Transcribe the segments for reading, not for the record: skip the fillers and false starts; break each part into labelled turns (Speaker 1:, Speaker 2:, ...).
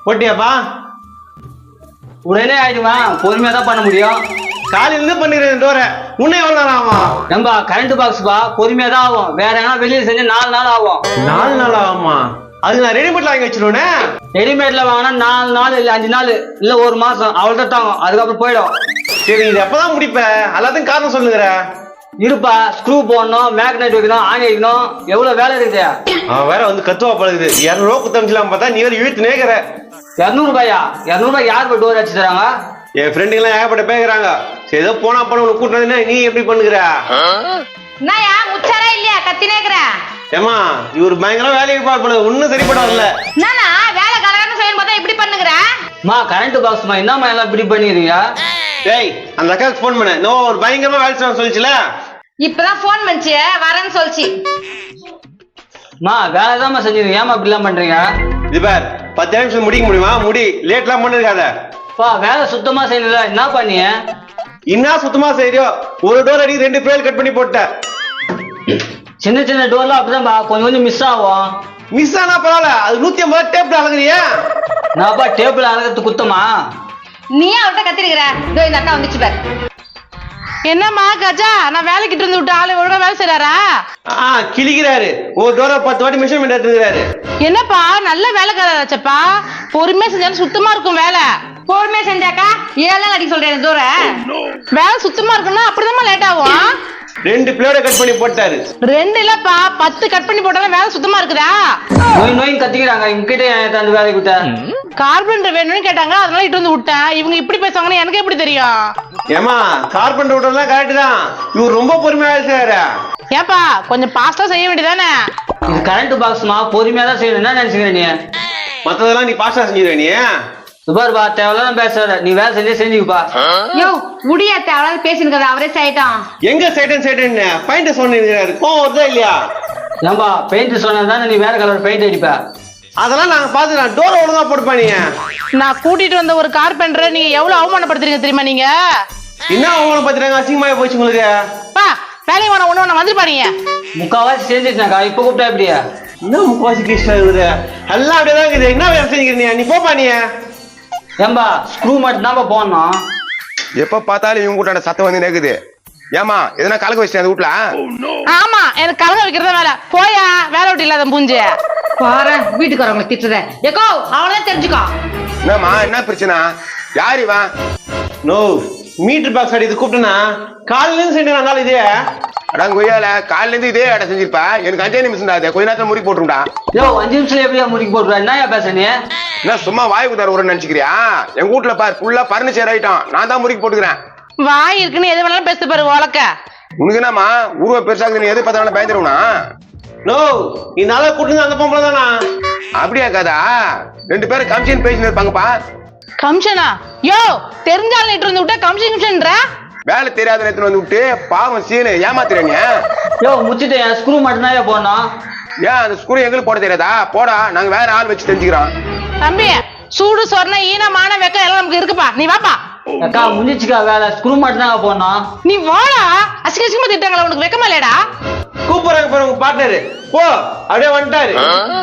Speaker 1: போட்டியாப்பா?
Speaker 2: உடனே ஆயிடுமா? பொறுமையா தான் பண்ண முடியும்.
Speaker 1: காலையில பண்ணிடுறேன் டோரை. உன்னை எவ்வளவு நேரம் ஆகும்?
Speaker 2: நம்பா கரண்ட் பாக்ஸ்பா, பொறுமையா தான் ஆகும். வேற எங்கன்னா வெளியே செஞ்சு 4 நாள் ஆகும்.
Speaker 1: 4 நாள் ஆகுமா? அது நான் ரெடிமேட்ல வாங்கி வச்சிருவேனே.
Speaker 2: ரெடிமேட்ல வாங்கினா 4 நாள் இல்ல 5 நாள் இல்ல 1 மாசம் அவ்வளவுதான் தாங்கும். அதுக்கப்புறம் போயிடும்.
Speaker 1: சரி, இது எப்பதான் முடிப்ப? எல்லாத்தையும் காரணம் சொல்லுங்கிற.
Speaker 2: இருப்பா, ஸ்க்ரூ போடணும், மேக்னெட் வைக்கணும், ஆணி வைக்கணும், எவ்வளவு வேலை இருக்குது.
Speaker 1: அவன் வேற வந்து கத்துவா பழகுது. 200 ரூபா குத்தமிச்சலாம் பார்த்தா நீ வேற இழுத்து நேக்கிற.
Speaker 2: 200 ரூபாயா? 200 ரூபாய் யார் போய் டோர் அடிச்சு தராங்க?
Speaker 1: என் ஃப்ரெண்டுங்க எல்லாம் ஏகப்பட்ட பேசுறாங்க. சரி, ஏதோ போனா போன உனக்கு கூட்டினா நீ எப்படி பண்ணுகிற?
Speaker 3: என்னயா முச்சாரா இல்லையா கத்தினேக்குற?
Speaker 1: ஏமா இவர் பயங்கர வேலைக்கு பார்ப்பது ஒன்னும் சரிப்படாதுல்ல.
Speaker 3: என்னன்னா வேலை கலகன்னு செய்யணும் பார்த்தா இப்படி பண்ணுகிற?
Speaker 2: மா கரண்ட் பாக்ஸ்மா என்னம்மா எல்லாம் இப்படி பண்ணிடுறீங்க?
Speaker 1: டேய், அந்த அக்காவுக்கு ஃபோன் பண்ண. நோ, ஒரு பயங்கரமா வேலை செய்யணும் சொல்லிச்சுல.
Speaker 3: இப்பதான் போன் பண்ணிச்சு வரேன்னு சொல்லிச்சு.
Speaker 2: மா வேலை தான் செஞ்சிருக்கீங்க, ஏமா இப்படி எல்லாம் பண்றீங்க?
Speaker 1: இது பார், 10 நிமிஷம் முடிக்க முடியுமா? முடி. லேட்லாம் பண்ணிருக்காத.
Speaker 2: பா வேலை சுத்தமா செய்யல, என்ன பண்ணிய?
Speaker 1: என்ன சுத்தமா செய்யறியோ? ஒரு டோர் அடி 2 பேர் கட் பண்ணி போட்ட.
Speaker 2: சின்ன சின்ன டோர்லாம் அப்படிதான்பா, கொஞ்சம் கொஞ்சம் மிஸ் ஆகும்.
Speaker 1: மிஸ் ஆனா பரவாயில்ல, அது 150 டேப்ல அழகுறியா?
Speaker 2: நான்ப்பா டேபிள் அழகிறது குத்தமா?
Speaker 3: நீ அவர்கிட்ட கத்திருக்கிற. இதோ இந்த அக்கா வந்துச்சு பாரு.
Speaker 4: என்னம்மா கஜா, நான் வேலைக்கிட்டு இருந்து விட்டு ஆளு ஒழுங்கா வேலை செய்யறாரா?
Speaker 1: கிழிக்கிறாரு. ஒரு டோரை 10 வாட்டி மெஷர்மெண்ட் எடுத்துக்கிறாரு.
Speaker 4: என்னப்பா நல்ல வேலைக்காரச்சப்பா, பொறுமையா செஞ்சாலும் சுத்தமா இருக்கும் வேலை.
Speaker 3: பொறுமையா செஞ்சாக்கா 7 நாள் அடிக்க சொல்றேன் தூர.
Speaker 4: வேலை சுத்தமா இருக்குன்னா அப்படிதான் லேட் ஆகும்.
Speaker 1: 2 பிளேட கட் பண்ணி போட்டாரு.
Speaker 4: 2 இல்லப்பா 10 கட் பண்ணி போட்டாலும் வேலை சுத்தமா இருக்குதா?
Speaker 2: நோய் நோய் கத்திக்கிறாங்க. இவங்கிட்ட அந்த வேலைக்கு விட்ட
Speaker 4: கார்பெண்டர் வேணும்னு கேட்டாங்க, அதனால இட்டு வந்து விட்டேன். இவங்க இப்படி பேசுவாங்கன்னு எனக்கு எப்படி தெரியும்?
Speaker 1: ஏமா கார்பெண்டர் விட்டதெல்லாம் கரெக்ட் தான். இவர் ரொம்ப பொறுமையா வேலை செய்யறாரு.
Speaker 4: ஏப்பா கொஞ்சம் பாஸ்டா செய்ய வேண்டியதானே?
Speaker 2: இது கரண்ட் பாக்ஸ்மா, பொறுமையா தான் செய்யணும். என்ன நினைச்சுக்கிற நீ?
Speaker 1: மத்ததெல்லாம் நீ பாஸ்டா செஞ்சிருவ நீ.
Speaker 2: சுபார்பா தேவையில்லாம் பேசாத, நீ வேலை செஞ்சே செஞ்சுப்பா.
Speaker 3: யோ முடியாத அவளால பேசினுக்கிறது அவரே சாயிட்டான்.
Speaker 1: எங்க சைடன் பாயிண்ட் சொன்னிருக்காரு. கோவம் வருதா இல்லையா?
Speaker 2: ஏன்பா பெயிண்ட் சொன்னதானே நீ வேற கலர் பெயிண்ட் அடிப்ப.
Speaker 1: அதெல்லாம் நாங்க பாத்துக்கலாம். டோர் ஒழுங்கா போட்டுப்பா நீங்க.
Speaker 4: நான் கூட்டிட்டு வந்த ஒரு கார்பெண்டரை நீங்க எவ்வளவு அவமானப்படுத்துறீங்க தெரியுமா? நீங்க
Speaker 1: என்ன அவங்கள பாத்துறாங்க? அசிங்கமா போச்சு உங்களுக்கு.
Speaker 4: பா வேலையை வேணா ஒண்ணு வந்து பாருங்க.
Speaker 2: முக்காவாசி செஞ்சிருச்சாக்கா, இப்ப கூப்பிட்டா எப்படியா?
Speaker 1: என்ன முக்காவாசி கேஸ்டா இருக்குது? எல்லாம் அப்படியேதான் இருக்குது. என்ன வேலை செஞ்சுக்கிறீங்க? நீ போப்பா நீ.
Speaker 2: ஏன்பா ஸ்க்ரூ மட்டும் தான் போடணும்.
Speaker 5: எப்ப பார்த்தாலும் இவங்க கூட்டான சத்தம் வந்து நேக்குது. ஏமா எதனா கலக்க வச்சிட்டேன் அந்த வீட்டுல?
Speaker 4: ஆமா எனக்கு கலங்க வைக்கிறதா வேலை. போயா வேலை விட்டு இல்லாத பூஞ்சு
Speaker 3: பாரு வீட்டுக்காரங்களை திட்டுற. ஏக்கோ அவளதான் தெரிஞ்சுக்கோ.
Speaker 5: என்னம்மா என்ன பிரச்சனை? யார் இவன்?
Speaker 1: நோ, மீட்டர் பாக்ஸ் அடி இது கூப்பிட்டனா காலையில இருந்து செஞ்சு இதே
Speaker 5: அடாங்க கொய்யால காலையில இருந்து இதே அடை செஞ்சிருப்பா. எனக்கு 5 நிமிஷம் தான். கொஞ்ச நேரத்துல முறி போட்டுருண்டா.
Speaker 2: யோ 5 நிமிஷத்துல எப்படியா முடிக்க போட்டுருவா? என்ன பேச நீ?
Speaker 5: என்ன சும்மா வாய் குதார ஒரு நினைச்சுக்கிறியா? எங்க வீட்டுல பாரு ஃபுல்லா பர்னிச்சர் ஐட்டம். நான் தான் முறிக்கு போட்டுக்கிறேன்.
Speaker 4: வாய் இருக்குன்னு எது வேணாலும் பேச பாரு உலக்க.
Speaker 5: உனக்கு என்னம்மா உருவ பெருசாகுது, நீ எது பார்த்தாலும் பயந்துருவனா?
Speaker 1: நோ, நீ நல்லா கூட்டுங்க. அந்த பொம்பளை தானா?
Speaker 5: அப்படியா கதா? 2 பேரும் கமிஷன் பேசிட்டு இருப்பாங்கப்பா.
Speaker 4: கமிஷனா? யோ தெரிஞ்சாலும் இட்டு வந்து விட்டா கமிஷன்ன்ற
Speaker 5: வேலை தெரியாத நேரத்துல வந்து விட்டு பாவம் சீனு ஏமாத்துறீங்க.
Speaker 2: யோ முச்சிட்டு என் ஸ்க்ரூ மட்டும் தான் போடணும்.
Speaker 5: ஏன் அந்த ஸ்கூல் எங்களுக்கு போட தெரியாதா? போடா, நாங்க வேற ஆள் வச்சு தெரிஞ்சுக்கிறோம்.
Speaker 4: தம்பி சூடு சொரண ஈனமான வெக்கம் எல்லாம் நமக்கு இருக்குப்பா. நீ வாப்பா.
Speaker 2: அக்கா முடிச்சுக்கா வேலை. ஸ்க்ரூ மட்டும் தான் போடணும்.
Speaker 4: நீ வாடா. அசிங்கமா திட்டாங்களா? உனக்கு வெக்கமா இல்லடா?
Speaker 1: கூப்பிடுறாங்க பாரு உங்க பார்ட்னரு. போ, அப்படியே வந்துட்டாரு.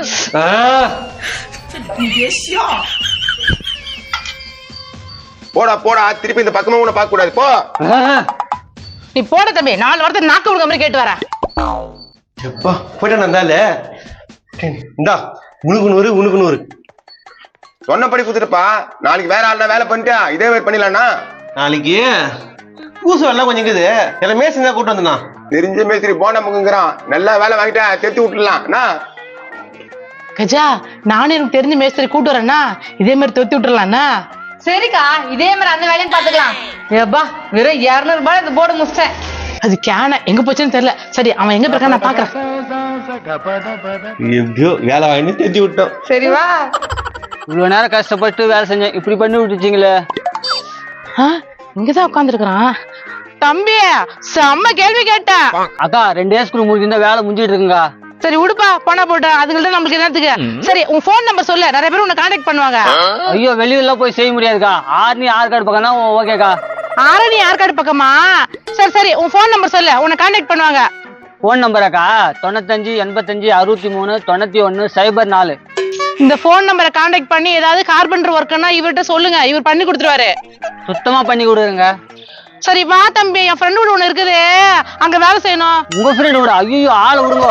Speaker 5: போடா போடா, திருப்பி இந்த பக்கமா உன்னை பார்க்க கூடாது. போ.
Speaker 4: நீ போட தம்பி. 4 வாரத்தை நாக்கு விடுற மாதிரி கேட்டு வர.
Speaker 1: எப்பா போயிட்டு வந்தால இந்தா உனக்கு 100
Speaker 5: சொன்னபடி குடுத்துருப்பா. நாளைக்கு வேற ஆள்னா வேலை பண்ணிட்டா இதே மாதிரி பண்ணிடலாம்னா?
Speaker 1: நாளைக்கு பூசு எல்லாம் கொஞ்சம் இருக்குது. எல்லாம் மேசங்க கூட்டு வந்தனா
Speaker 5: தெரிஞ்ச மேஸ்திரி போன முங்குங்கிறான். நல்லா வேலை வாங்கிட்டா தெத்தி விட்டுலாம்.
Speaker 4: கஜா நானும் எனக்கு தெரிஞ்ச மேஸ்திரி கூட்டு வரேன்னா இதே மாதிரி தொத்தி விட்டுறலாம்னா?
Speaker 3: சரிக்கா இதே மாதிரி அந்த வேலையும் பாத்துக்கலாம். ஏப்பா வெறும் 200 ரூபாய் இந்த போர்டு முடிச்சிட்டேன்.
Speaker 4: அது கேன எங்க போச்சுன்னு தெரியல. சரி அவன் எங்க இருக்கான் நான் பாக்குறேன்.
Speaker 1: எப்படியோ வேலை வாங்கி தெத்தி விட்டோம்.
Speaker 3: சரி வா.
Speaker 2: இவ்வளவு நேரம் கஷ்டப்பட்டு வேலை செஞ்சேன், இப்படி பண்ணி விட்டுச்சிங்களே.
Speaker 4: இங்கதான் உட்கார்ந்து இருக்கிறான். தம்பி செம்ம கேள்வி கேட்ட.
Speaker 2: அக்கா 2 ஸ்க்ரூ முடிஞ்சிருந்தா வேலை முடிஞ்சிட்டு இருக்குங்க.
Speaker 4: சரி உடுப்பா போனா போட்டா அதுங்கள்ட்ட நம்மளுக்கு என்னத்துக்கு. சரி உன் போன் நம்பர் சொல்லு, நிறைய பேர் உன்னை கான்டாக்ட் பண்ணுவாங்க.
Speaker 2: ஐயோ வெளியில போய் செய்ய முடியாதுக்கா. ஆர்னி ஆர்கார்டு பக்கம்னா ஓகேக்கா.
Speaker 4: ஆரணி ஆற்காடு பக்கமா? சரி சரி உன் போன் நம்பர் சொல்லு, உன்னை கான்டாக்ட் பண்ணுவாங்க.
Speaker 2: போன் நம்பராக்கா 95 85 63 91 04.
Speaker 4: இந்த போன் நம்பரை கான்டாக்ட் பண்ணி ஏதாவது கார்பெண்டர் ஒர்க்குன்னா இவர்கிட்ட சொல்லுங்க, இவர் பண்ணி கொடுத்துருவாரு.
Speaker 2: சுத்தமா பண்ணி கொடுங்க.
Speaker 4: சரி வா தம்பி, என் ஃப்ரெண்டு வீடு ஒண்ணு இருக்குது, அங்க வேலை செய்யணும்.
Speaker 2: உங்க ஃப்ரெண்ட் விட ஐயோ ஆளை விடுங்க.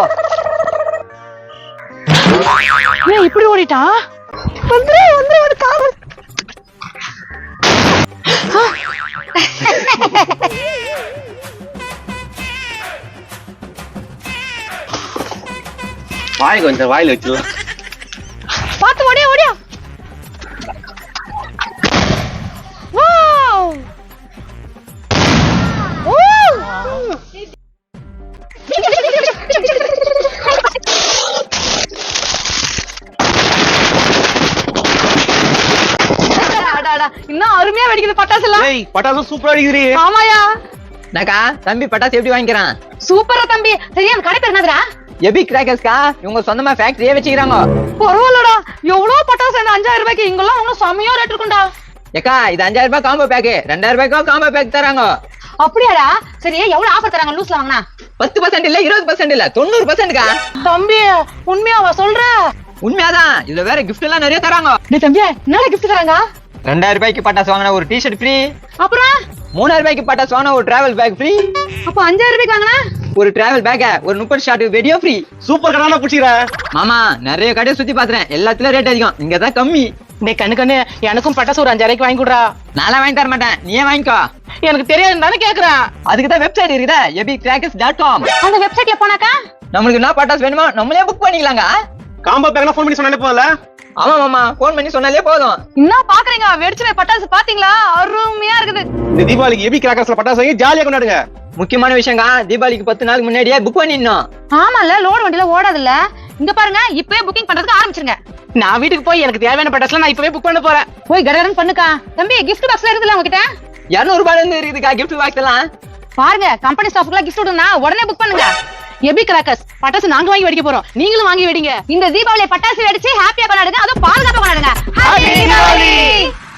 Speaker 4: ஏன் இப்படி ஓடிட்டான்? வந்துரு வந்துரு ஒரு காவல்.
Speaker 1: வாய் கொஞ்சம் வாயில வச்சு
Speaker 3: பாத்து ஓடியா ஓடியா. வாவ் ஓ இன்னும் அருமையா வெடிக்குது பட்டாசு எல்லாம்.
Speaker 1: ஏய் பட்டாசு சூப்பரா அடிக்குதுடி.
Speaker 3: ஆமாயா
Speaker 6: நாக்கா தம்பி பட்டாசு எப்படி வாங்கிக்கிறான்?
Speaker 3: சூப்பரா தம்பி. சரியா அந்த கடை பேர் என்னதுடா?
Speaker 6: எபி கிராக்கர்ஸ்கா, இவங்க சொந்தமா ஃபேக்டரியே வச்சுக்கிறாங்க.
Speaker 3: பரவாயில்லடா, எவ்வளவு பட்டாசு 5000 ரூபாய்க்கு, இங்கெல்லாம் ஒன்னும் செமையா ரேட் இருக்கும்டா.
Speaker 6: ஏக்கா இது 5000 ரூபாய் காம்போ பேக், 2000 ரூபாய்க்கு காம்போ பேக் தராங்க.
Speaker 3: அப்படியாடா? சரி எவ்வளவு ஆஃபர் தராங்க லூஸ்ல வாங்கினா?
Speaker 6: 10% இல்ல 20% இல்ல 90%க்கா.
Speaker 4: தம்பி உண்மையாவா சொல்ற?
Speaker 6: உண்மையாதான், இதுல வேற கிஃப்ட் எல்லாம் நிறைய தராங்க.
Speaker 3: டேய் தம்பி, என்னடா கிஃப்ட் தராங்க?
Speaker 6: 2000 ரூபாய்க்கு பட்டாசு வாங்கினா ஒரு டிஷர்ட் ஃப்ரீ.
Speaker 3: அப்புறம்
Speaker 6: 3000 ரூபாய்க்கு பட்டாசு வாங்கினா ஒரு டிராவல் பேக் ஃப்ரீ.
Speaker 3: அப்ப 5000 ரூபாய்க்கு வாங்கினா
Speaker 6: ஒரு டிராவல் பேக், ஒரு 30 ஷாட் வீடியோ ஃப்ரீ.
Speaker 1: சூப்பர் கடான புடிச்சிரா.
Speaker 6: மாமா நிறைய கடையை சுத்தி பாத்துறேன், எல்லாத்துலயும் ரேட் அதிகம், இங்கதான் கம்மி.
Speaker 4: டேய் கண்ணு எனக்கும் பட்டாசு ஒரு 5000 ரூபாய்க்கு வாங்கி கொடுறா.
Speaker 6: நான்லாம் வாங்கி தர மாட்டேன், நீயே வாங்கிக்கோ.
Speaker 4: எனக்கு தெரியாதுன்னு தானே கேக்குறேன்.
Speaker 6: அதுக்கு தான் வெப்சைட் இருக்குதா, ebikrackers.com.
Speaker 3: அந்த வெப்சைட்ல போனாக்கா
Speaker 6: நம்மளுக்கு என்ன பட்டாசு வேணுமோ நம்மளே புக் பண்ணிக்கலாங்க.
Speaker 1: காம்போ பேக்னா ஃபோன் பண்ணி சொன்னாலே போதல.
Speaker 6: ஆமா மாமா, போன் பண்ணி சொன்னாலே போதும்.
Speaker 3: என்ன பாக்குறீங்க? வெடிச்சுன பட்டாசு பாத்தீங்களா? அருமையா இருக்குது.
Speaker 1: இந்த தீபாவளிக்கு எபி கிராக்கர்ஸ்ல பட்டாசு வாங்கி ஜாலியா கொண்டாடுங்க.
Speaker 6: முக்கியமான விஷயங்க, தீபாவளிக்கு 10 நாளுக்கு முன்னாடியே புக் பண்ணிடணும்.
Speaker 3: ஆமால, லோடு வண்டியில ஓடாதுல்ல. இங்க பாருங்க, இப்பவே புக்கிங் பண்றதுக்கு ஆரம்பிச்சிருங்க.
Speaker 4: நான் வீட்டுக்கு போய் எனக்கு தேவையான பட்டாசுலாம் நான் இப்பவே புக் பண்ண போறேன்.
Speaker 3: போய் கடகடன் பண்ணுக்கா. தம்பி கிஃப்ட் பாக்ஸ்ல இருக்குதுல உங்ககிட்ட?
Speaker 6: 200 ரூபாயில இருந்து இருக்குதுக்கா கிஃப்ட் பாக்ஸ் எல்லாம்.
Speaker 3: பாருங்க, கம்பெனி ஸ்டாஃப்க்குலாம் கிஃப்ட் விடுனா உடனே புக் பண்ணுங்க.
Speaker 4: எபி கிராக்கர்ஸ் பட்டாசு நாங்க வாங்கி வெடிக்க போறோம், நீங்களும் வாங்கி வெடிங்க.
Speaker 3: இந்த தீபாவளி பட்டாசு வெடிச்சு ஹாப்பியா கொண்டாடுங்க, அதுவும் பாதுகாப்பா கொண்டாடுங்க. ஹாப்பி தீபாவளி.